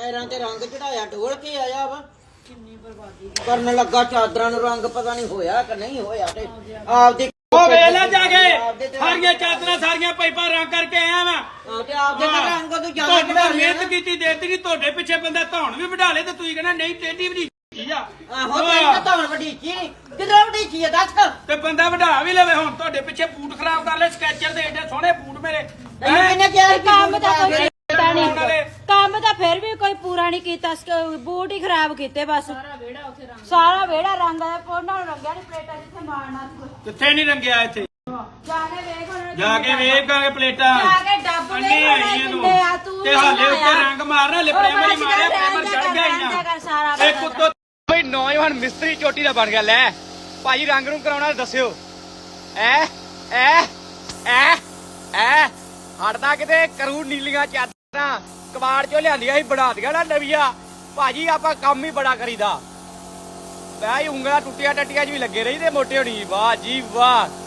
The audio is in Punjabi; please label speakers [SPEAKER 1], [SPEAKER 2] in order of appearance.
[SPEAKER 1] ਪੈਰਾਂ ਤੇ ਰੰਗ ਚੜਾਇਆ ਢੋਲ ਕੇ ਆਇਆ ਵਾ ਕਿੰਨੀ ਬਰਬਾਦੀ ਕਰਨ ਲੱਗਾ ਚਾਦਰਾਂ ਨੂੰ ਰੰਗ ਪਤਾ ਨਹੀਂ ਹੋਇਆ ਕਿ ਨਹੀਂ ਹੋਇਆ ਤੇ ਆਪਦੀ
[SPEAKER 2] ਉਹ ਵੇਲਾ ਜਾ ਕੇ ਸਾਰੀਆਂ ਚਾਦਰਾਂ ਸਾਰੀਆਂ ਪਾਈਪਾਂ ਰੰਗ ਕਰਕੇ ਆਇਆ ਵਾ
[SPEAKER 1] ਤੇ ਆਪਦੇ ਤਾਂ ਰੰਗ ਤੋਂ ਜ਼ਿਆਦਾ
[SPEAKER 2] ਤੁਹਾਡੇ ਮਿਹਨਤ ਕੀਤੀ ਦੇਤੀ ਨਹੀਂ ਤੁਹਾਡੇ ਪਿੱਛੇ ਬੰਦਾ ਧੌਣ ਵੀ ਵਢਾ ਲੇ ਤੇ ਤੁਸੀਂ ਕਹਿੰਦਾ ਨਹੀਂ ਟੇਢੀ ਵਧੀ ਆ
[SPEAKER 1] ਆਹੋ ਤੇ ਧੌਣ ਵਡੀਚੀ ਕਿਧਰ ਵਡੀਚੀ ਆ ਦੱਸ
[SPEAKER 2] ਤੇ ਬੰਦਾ ਵਢਾ ਵੀ ਲਵੇ ਹੁਣ ਤੁਹਾਡੇ ਪਿੱਛੇ ਬੂਟ ਖਰਾਬ ਕਰ ਲੈ ਸਕੈਚਰ ਦੇ ਏਡੇ ਸੋਹਣੇ ਬੂਟ ਮੇਰੇ
[SPEAKER 1] ਇਹਨੇ ਕਿਹਾ
[SPEAKER 3] ਕੰਮ ਤਾਂ ਕੋਈ ਕੀਤਾ ਨਹੀਂ ਕੰਮ ਤਾਂ ਫਿਰ ਵੀ ਕੋਈ ਪੂਰਾ ਨਹੀਂ ਕੀਤਾ ਬੂਟ ਹੀ ਖਰਾਬ ਕੀਤੇ ਬਸ ਸਾਰਾ ਵਿਹੜਾ ਰੰਗ ਉਹਨਾਂ ਨੂੰ ਰੰਗਿਆ ਨਹੀਂ ਪਲੇਟਾਂ ਜਿੱਥੇ ਮਾਰਨਾ
[SPEAKER 2] ਕਿੱਥੇ ਨਹੀਂ ਰੰਗਿਆ ਇੱਥੇ
[SPEAKER 3] ਜਾ ਕੇ ਵੇਖਾਂਗੇ
[SPEAKER 2] ਪਲੇਟਾਂ
[SPEAKER 3] ਜਾ ਕੇ ਡੱਬ
[SPEAKER 2] ਅੰਨੇ ਆਈਆਂ ਨੂੰ ਤੇ ਹਾਲੇ ਉੱਤੇ ਰੰਗ ਮਾਰਨਾ ਹਲੇ ਪ੍ਰਾਈਮਰ ਹੀ ਮਾਰਿਆ ਪ੍ਰਾਈਮਰ ਚੜ ਗਿਆ ਹੀ ਨਾ ਇੱਕ ਉੱਤੋਂ
[SPEAKER 4] ਬਈ ਨੌਜਵਾਨ ਮਿਸਤਰੀ ਚੋਟੀ ਦਾ ਬਣ ਗਿਆ ਲੈ ਭਾਜੀ ਰੰਗ ਨੂੰ ਕਰਾਉਣਾ ਦੱਸਿਓ ਐ ਐ ਐ ਐ ਹਟਦਾ ਕਿਤੇ ਕਰੂ ਨੀਲੀਆਂ ਚਾਦਰਾਂ ਕਬਾੜ ਚੋਂ ਲਿਆਂਦੀਆਂ ਸੀ ਬਣਾ ਦੀਆਂ ਨਾ ਨਵੀਆਂ ਭਾਜੀ ਆਪਾਂ ਕੰਮ ਹੀ ਬੜਾ ਕਰੀਦਾ ਭਾਈ ਉਂਗਲਾਂ ਟੁੱਟੀਆਂ ਟੱਟੀਆਂ 'ਚ ਵੀ ਲੱਗੇ ਰਹੀ ਤੇ ਮੋਟੇ ਹੋਣੀ ਵਾਹ ਜੀ ਵਾਹ